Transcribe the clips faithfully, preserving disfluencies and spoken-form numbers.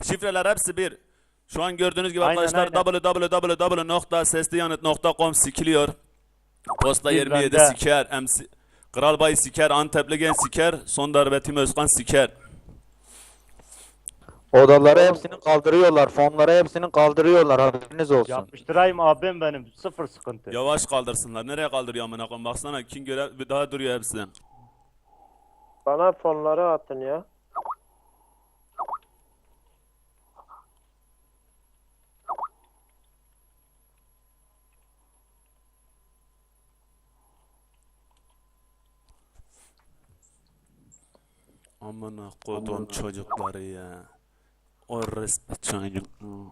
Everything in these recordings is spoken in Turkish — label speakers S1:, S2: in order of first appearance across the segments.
S1: Şifreler hepsi bir. Şu an gördüğünüz gibi
S2: Aynen,
S1: arkadaşlar
S2: aynen.
S1: w w w nokta sesliyanıt nokta com sikiliyor. Posta
S2: Bir
S1: yirmi yedi
S2: bende.
S1: siker. M C Kral Bay siker. Antepli Gen siker. Son darbe Tim Özkan siker.
S3: Odaları hepsini kaldırıyorlar. Fonları hepsini kaldırıyorlar. Haberiniz olsun.
S2: Yapıştırayım abim benim. Sıfır sıkıntı.
S1: Yavaş kaldırsınlar. Nereye kaldırıyor amına koyayım? Baksana kim göre daha duruyor hepsi.
S4: Bana fonları atın ya.
S1: Amına kodum çocukları ya. O resmi çocuk.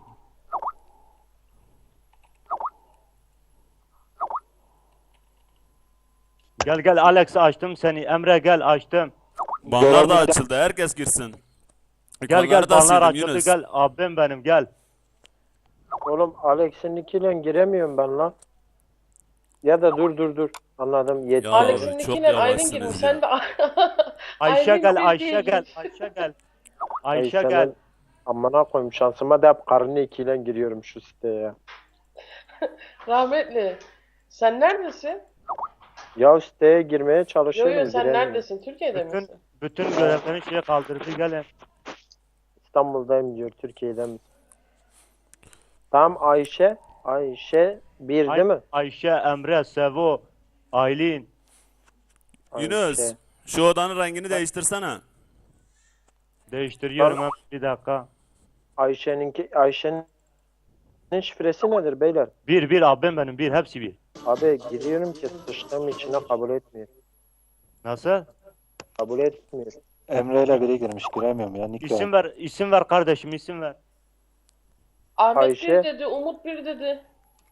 S2: Gel gel Alex, açtım seni. Emre gel, açtım.
S1: Banlar da açıldı. Herkes girsin.
S2: Gel gel,
S1: Ekranları da
S2: banlar
S1: sildim
S2: açıldı,
S1: Yunus.
S2: gel abim benim, gel.
S4: Oğlum Alex'in ikiyle giremiyorum ben lan. Ya da dur dur dur. Anladım. Yeter.
S1: Ya,
S5: Alex'in
S1: çok
S5: ikine Aydın
S1: yavaşsınız
S5: girdin.
S1: ya.
S5: Sen de
S2: Ayşe
S5: Aydın
S2: gel,
S5: bir
S2: Ayşe
S5: değil.
S2: gel, Ayşe gel. Ayşe
S4: Ay,
S2: gel.
S4: senin amına koyayım, şansıma da hep karını ikiyle giriyorum şu siteye ya.
S5: Rahmetli. Sen neredesin?
S4: Ya siteye girmeye
S5: Yo
S4: çalışıyorum.
S5: yo, sen
S4: giremiyorum.
S5: neredesin? Türkiye'de
S2: Bütün,
S5: misin?
S2: bütün görevlerini şeye kaldırdı, gelin.
S4: İstanbul'dayım diyor. Türkiye'den mi? Tamam Ayşe. Ayşe bir
S2: Ay-
S4: değil mi?
S2: Ayşe, Emre, Sevo, Aylin.
S1: Yunus.
S4: Ayşe.
S1: Şu odanın rengini değiştirsene.
S2: Değiştiriyorum
S4: Tamam.
S2: hemen, bir dakika.
S4: Ayşe'ninki Ayşe'nin şifresi nedir beyler?
S2: Bir, bir abim benim, bir, hepsi bir.
S4: Abi giriyorum ki sıçtığım içine kabul etmiyor.
S2: Nasıl?
S4: Kabul etmiyor.
S3: Emre ile biri girmiş. Giremiyorum ya. Nick
S2: İsim ver, isim ver kardeşim, isim ver.
S5: Ahmet
S4: Ayşe.
S5: bir dedi, Umut bir dedi.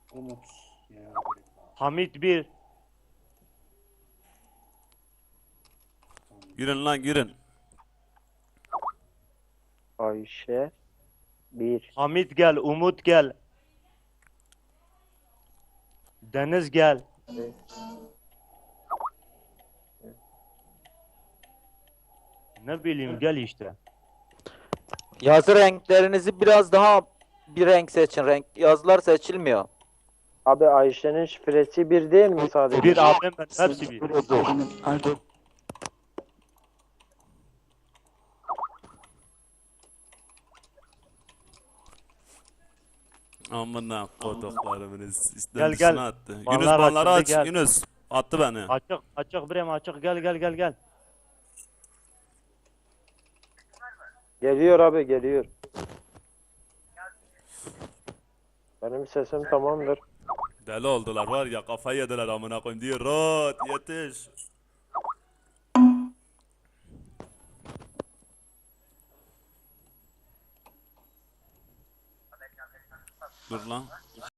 S2: Hamit bir.
S1: Girin lan girin.
S4: Ayşe bir.
S2: Hamit gel, Umut gel. Deniz gel. Ne bileyim, gel işte.
S3: Yazı renklerinizi biraz daha bir renk seçin. Renk yazılar seçilmiyor.
S4: Abi Ayşe'nin şifresi bir değil mi sadece?
S2: Bir abim benim, hepsi bir.
S1: Amına koduklarımın
S2: Gel,
S1: istemcisine
S2: gel.
S1: attı.
S2: Banlar
S1: Yunus banları
S2: açıldı,
S1: aç.
S2: gel.
S1: Yunus attı beni.
S2: Açık, açık birem açık, gel gel gel gel.
S4: Geliyor abi geliyor. Benim sesim tamamdır.
S1: Deli oldular var ya, kafayı yediler amına koyayım diye. Rot yetiş. Dur lan.